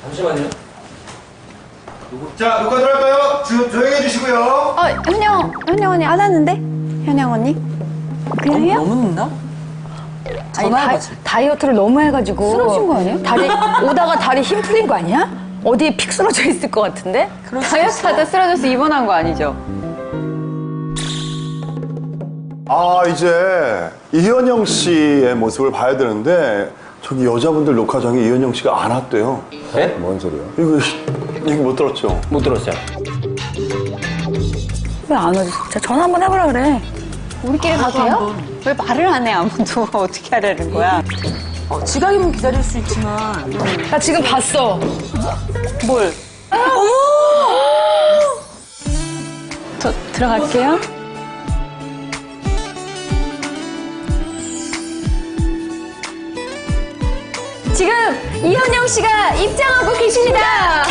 잠시만요. 자, 누가 들어갈까요? 조용히 해주시고요. 현영 언니 안 왔는데? 현영 언니? 그냥 해요? 너무 늦나? 아니, 다이어트를 너무 해가지고 쓰러진 거 아니야? 오다가 다리 힘 풀린 거 아니야? 어디에 픽 쓰러져 있을 것 같은데? 다이어트 하다 쓰러져서 입원한 거 아니죠? 아, 이제 이현영 씨의 모습을 봐야 되는데 저기 여자분들 녹화장에 이현영 씨가 안 왔대요. 네? 뭔 소리야? 이거 얘기 못 들었죠? 못 들었어요. 왜 안 오지? 자, 전화 한번 해보라 그래. 우리끼리 가도 돼요? 왜 말을 안 해, 아무도. 어떻게 하려는 거야? 지각이면 기다릴 수 있지만. 나 지금 봤어. 뭘? 저 들어갈게요. 지금 이현영 씨가 입장하고 계십니다.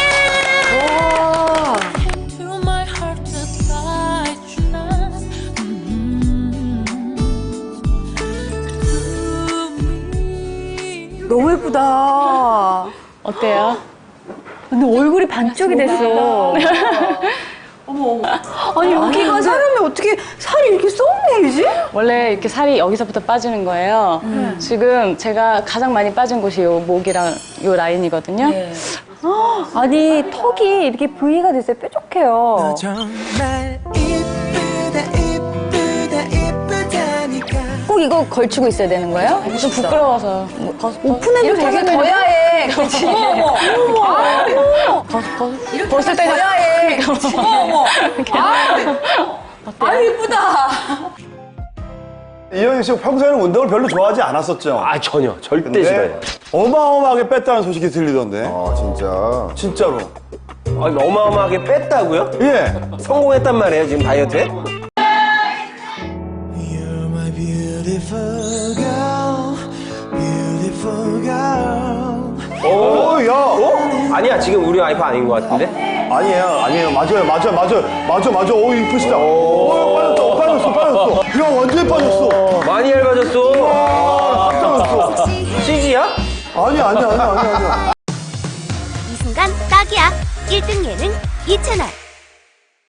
너무 예쁘다. 어때요? 근데 얼굴이 반쪽이 됐어. 어머. 아니 여기가 사람이 어떻게 살이 이렇게 쏙 내리지? 원래 이렇게 살이 여기서부터 빠지는 거예요. 지금 제가 가장 많이 빠진 곳이 요 목이랑 요 라인이거든요. 네. 아니 턱이 이렇게 V가 됐어요. 뾰족해요. 꼭 이거 걸치고 있어야 되는 거예요? 좀 부끄러워서. 오픈해도 되게 더 야해. 그렇지. 벗을 때는 더 야해. 어머. 아 예쁘다. 이현영 씨가 평소에는 운동을 별로 좋아하지 않았었죠? 아, 전혀. 절대 근데 싫어요. 어마어마하게 뺐다는 소식이 들리던데. 아, 진짜. 진짜로. 아니, 어마어마하게 뺐다고요? 예. 성공했단 말이에요, 지금 다이어트에? 오, 야. 어? 아니야, 지금 우리 와이프 아닌 것 같은데? 아니에요. 맞아. 오, 이쁘시다. 오, 빠졌어. 야, 완전히 빠졌어. 많이 얇아졌어. 깜짝이야. CG야? 아니야. 이 순간 딱이야. 1등 예능 이채널